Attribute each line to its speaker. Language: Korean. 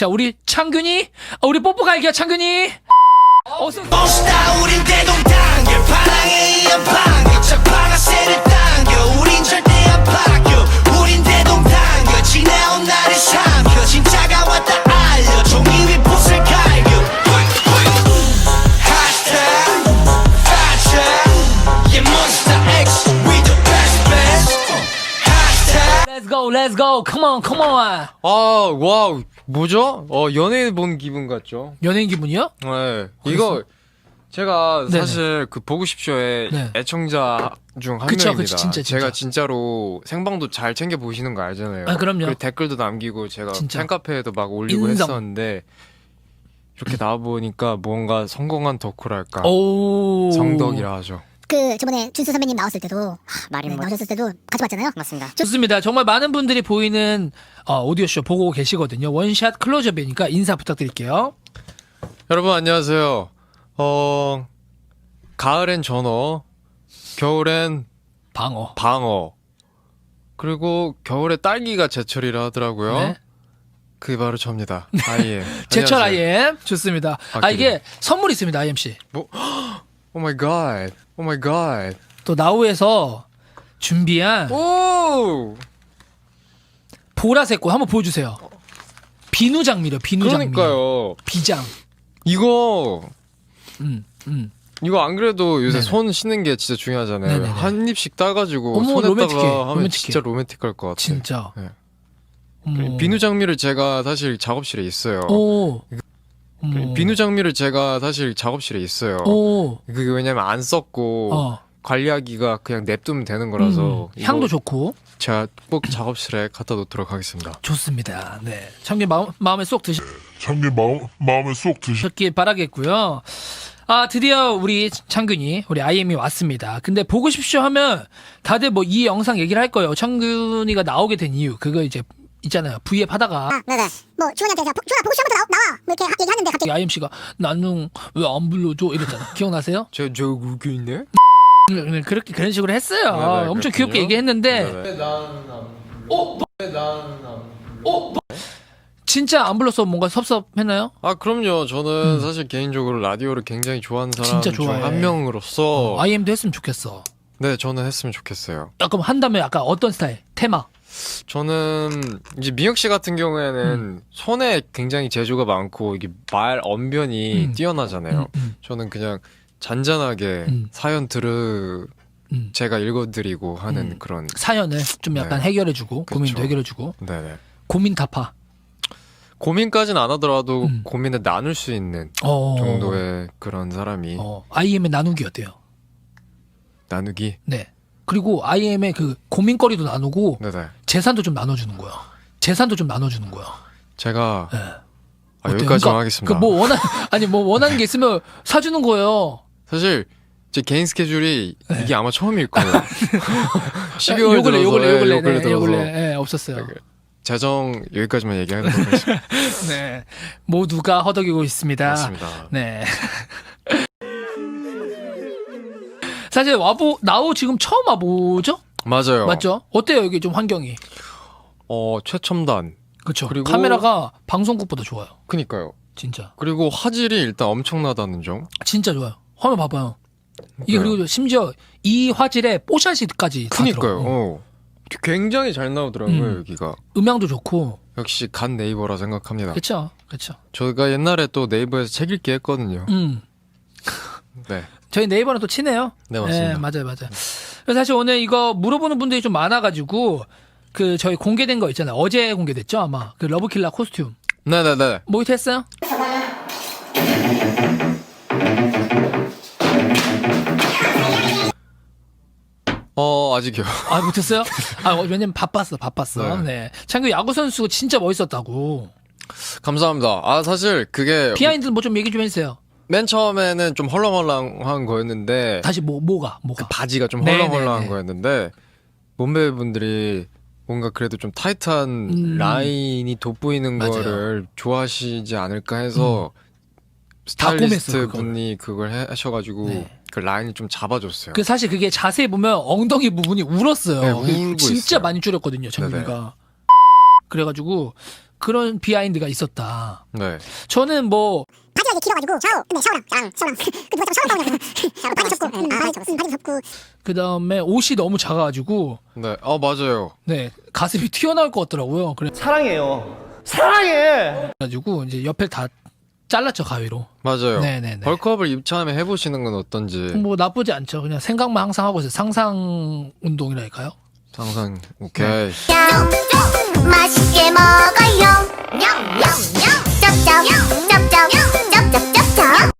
Speaker 1: 자, 우리 창균이, 우리 뽀뽀 갈게요, 창균이. 어서.
Speaker 2: 멋있다 우린 대동단계 파랑의 이연방계 첫방아쇠를 당겨 우린 절대 안 바뀌어 우린 대동단계 지나온 날을 삼켜 진짜가 왔다 알려 종이 위 붓을 갈겨 hashtag fashion yeah monster X we the best hashtag
Speaker 1: Let's go, come on.
Speaker 3: 와우, 뭐죠? 연예인 본 기분 같죠?
Speaker 1: 연예인 기분이요?
Speaker 3: 네. 이거, 제가
Speaker 1: 네네.
Speaker 3: 사실 그 보고 싶쇼의
Speaker 1: 네.
Speaker 3: 애청자 중 한
Speaker 1: 그쵸,
Speaker 3: 명입니다.
Speaker 1: 진짜.
Speaker 3: 제가 진짜로 생방도 잘 챙겨 보시는 거 알잖아요.
Speaker 1: 아, 그럼요.
Speaker 3: 그리고 댓글도 남기고 제가
Speaker 1: 진짜.
Speaker 3: 팬카페에도 막 올리고
Speaker 1: 인정.
Speaker 3: 했었는데, 이렇게 나와보니까 뭔가 성공한 덕후랄까.
Speaker 1: 오.
Speaker 3: 성덕이라 하죠.
Speaker 4: 그 저번에 준수 선배님 나왔을 때도
Speaker 5: 말이 뭐
Speaker 4: 나오셨을 때도 같이 봤잖아요.
Speaker 5: 맞습니다.
Speaker 1: 좋습니다. 정말 많은 분들이 보이는 오디오쇼 보고 계시거든요. 원샷 클로즈업이니까 인사 부탁드릴게요.
Speaker 3: 여러분 안녕하세요. 가을엔 전어, 겨울엔
Speaker 1: 방어.
Speaker 3: 방어, 그리고 겨울에 딸기가 제철이라 하더라고요.
Speaker 1: 네.
Speaker 3: 그게 바로 접니다. IM.
Speaker 1: 제철
Speaker 3: 안녕하세요.
Speaker 1: IM 좋습니다.
Speaker 3: 아,
Speaker 1: 이게 선물 있습니다. IMC.
Speaker 3: 오 마이 갓. 오 마이 갓.
Speaker 1: 또 나우에서 준비한
Speaker 3: 오!
Speaker 1: 보라색 꽃 한번 보여주세요. 비누장미요. 비누장미.
Speaker 3: 그러니까요.
Speaker 1: 비장.
Speaker 3: 이거
Speaker 1: 음.
Speaker 3: 이거 안 그래도 요새
Speaker 1: 네네.
Speaker 3: 손 씻는 게 진짜 중요하잖아요.
Speaker 1: 네네네.
Speaker 3: 한 입씩 따가지고
Speaker 1: 어머,
Speaker 3: 손에다가
Speaker 1: 로맨틱해.
Speaker 3: 하면
Speaker 1: 로맨틱해.
Speaker 3: 진짜 로맨틱할 것 같아요.
Speaker 1: 진짜.
Speaker 3: 네.
Speaker 1: 어머.
Speaker 3: 비누 장미를 제가 사실 작업실에 있어요.
Speaker 1: 오. 어머.
Speaker 3: 비누 장미를 제가 사실 작업실에 있어요.
Speaker 1: 오.
Speaker 3: 그게 왜냐면 안 썼고 관리하기가 그냥 냅두면 되는 거라서
Speaker 1: 향도
Speaker 3: 이거
Speaker 1: 좋고.
Speaker 3: 제가 꼭 작업실에 갖다 놓도록 하겠습니다.
Speaker 1: 좋습니다. 네. 참기 마음에 쏙
Speaker 6: 마음에 쏙 드시.
Speaker 1: 드셨길 바라겠고요. 드디어 우리 창균이, 우리 IM이 왔습니다. 근데 보고 싶쇼 하면 다들 뭐 이 영상 얘기를 할 거예요. 창균이가 나오게 된 이유. 그거 이제 있잖아요. V앱 하다가
Speaker 4: 네네. 뭐 주원이한테 제가 주원아 보고 싶으면 나와 뭐 이렇게 얘기하는데 갑자기
Speaker 1: IMC가 나는 왜 안 불러줘? 이랬잖아. 기억나세요?
Speaker 3: 저 그게 있네?
Speaker 1: 그렇게 그런 식으로 했어요.
Speaker 3: 네네,
Speaker 1: 엄청
Speaker 3: 그렇군요.
Speaker 1: 귀엽게 얘기했는데
Speaker 3: 네네.
Speaker 1: 진짜 안 불러서 뭔가 섭섭했나요?
Speaker 3: 그럼요. 저는 사실 개인적으로 라디오를 굉장히 좋아하는 사람
Speaker 1: 진짜
Speaker 3: 중
Speaker 1: 좋아해.
Speaker 3: 한 명으로서
Speaker 1: IM도 했으면 좋겠어.
Speaker 3: 네, 저는 했으면 좋겠어요.
Speaker 1: 그럼 한다면 약간 어떤 스타일? 테마?
Speaker 3: 저는 이제 미혁 씨 같은 경우에는 손에 굉장히 재주가 많고 이게 말 언변이 뛰어나잖아요. 저는 그냥 잔잔하게 사연 제가 읽어드리고 하는 그런.
Speaker 1: 사연을 좀 약간
Speaker 3: 네.
Speaker 1: 해결해주고
Speaker 3: 그쵸.
Speaker 1: 고민도 해결해주고
Speaker 3: 네네.
Speaker 1: 고민 타파
Speaker 3: 고민까지는 안 하더라도 고민을 나눌 수 있는 정도의 그런 사람이
Speaker 1: IM의 나누기 어때요?
Speaker 3: 나누기.
Speaker 1: 네. 그리고 IM의 그 고민거리도 나누고
Speaker 3: 네네.
Speaker 1: 재산도 좀 나눠주는 거야. 재산도 좀 나눠주는 거야.
Speaker 3: 제가
Speaker 1: 네.
Speaker 3: 여기까지만 하겠습니다.
Speaker 1: 뭐 원하는 게 있으면 사주는 거예요.
Speaker 3: 사실 제 개인 스케줄이 이게 아마 처음일 거예요.
Speaker 1: 요
Speaker 3: 12월
Speaker 1: 근래
Speaker 3: 들어서
Speaker 1: 요 근래 없었어요.
Speaker 3: 재정 여기까지만 얘기하도록 하겠습니다.
Speaker 1: 네. 모두가 허덕이고 있습니다.
Speaker 3: 맞습니다.
Speaker 1: 네. 사실 나우 지금 처음 와보죠?
Speaker 3: 맞아요.
Speaker 1: 맞죠? 어때요 여기 좀 환경이?
Speaker 3: 최첨단.
Speaker 1: 그렇죠.
Speaker 3: 그리고-
Speaker 1: 카메라가 방송국보다 좋아요.
Speaker 3: 그니까요.
Speaker 1: 진짜.
Speaker 3: 그리고 화질이 일단 엄청나다는 점.
Speaker 1: 진짜 좋아요. 화면 봐봐요. 이게
Speaker 3: 그러니까요.
Speaker 1: 그리고 심지어 이 화질에 뽀샤시까지 다
Speaker 3: 그니까요.
Speaker 1: 들어가요.
Speaker 3: 굉장히 잘 나오더라고요, 여기가.
Speaker 1: 음향도 좋고.
Speaker 3: 역시 간 네이버라 생각합니다.
Speaker 1: 그렇죠.
Speaker 3: 저희가 옛날에 또 네이버에서 책 읽기 했거든요. 네.
Speaker 1: 저희 네이버는 또 친해요.
Speaker 3: 네, 맞습니다.
Speaker 1: 맞아요. 그래서 사실 오늘 이거 물어보는 분들이 좀 많아가지고 그 저희 공개된 거 있잖아요. 어제 공개됐죠 아마 그 러브킬라 코스튬
Speaker 3: 네네네.
Speaker 1: 모의트 했어요?
Speaker 3: 아직이요.
Speaker 1: 못했어요? 왜냐면 바빴어.
Speaker 3: 네.
Speaker 1: 네. 창규 야구 선수 진짜 멋있었다고.
Speaker 3: 감사합니다. 사실 그게
Speaker 1: 비하인드 뭐 좀 얘기 좀 해주세요.
Speaker 3: 맨 처음에는 좀 헐렁헐렁한 거였는데
Speaker 1: 다시 뭐가?
Speaker 3: 그 바지가 좀
Speaker 1: 네네네.
Speaker 3: 헐렁헐렁한 거였는데 몸매분들이 뭔가 그래도 좀 타이트한 라인이 돋보이는
Speaker 1: 맞아요.
Speaker 3: 거를 좋아하시지 않을까 해서
Speaker 1: 다 꼬맸어,
Speaker 3: 스타일리스트 분이 그걸 하셔가지고
Speaker 1: 네.
Speaker 3: 그 라인을 좀 잡아줬어요.
Speaker 1: 그 사실 그게 자세히 보면 엉덩이 부분이 울었어요.
Speaker 3: 네, 울고
Speaker 1: 진짜
Speaker 3: 있어요.
Speaker 1: 많이 줄였거든요, 창규가. 그래가지고 그런 비하인드가 있었다.
Speaker 3: 네.
Speaker 1: 저는 뭐
Speaker 4: 바지가 이제 길어가지고 샤워 근데 샤워랑 그 누가 자꾸 샤워 나오냐고 바지 접고 바지 접고
Speaker 1: 그다음에 옷이 너무 작아가지고
Speaker 3: 네. 맞아요.
Speaker 1: 네 가슴이 튀어나올 것 같더라고요.
Speaker 5: 사랑해요. 사랑해.
Speaker 1: 그래가지고 이제 옆에 다 잘랐죠 가위로.
Speaker 3: 맞아요.
Speaker 1: 네네네.
Speaker 3: 벌크업을 입차하면 해보시는 건 어떤지.
Speaker 1: 뭐 나쁘지 않죠. 그냥 생각만 항상 하고 있어요. 상상 운동이랄까요?
Speaker 3: 상상. 오케이.
Speaker 4: 맛있게 먹어요 냠냠냠 쩝쩝 쩝쩝 쩝쩝 쩝쩝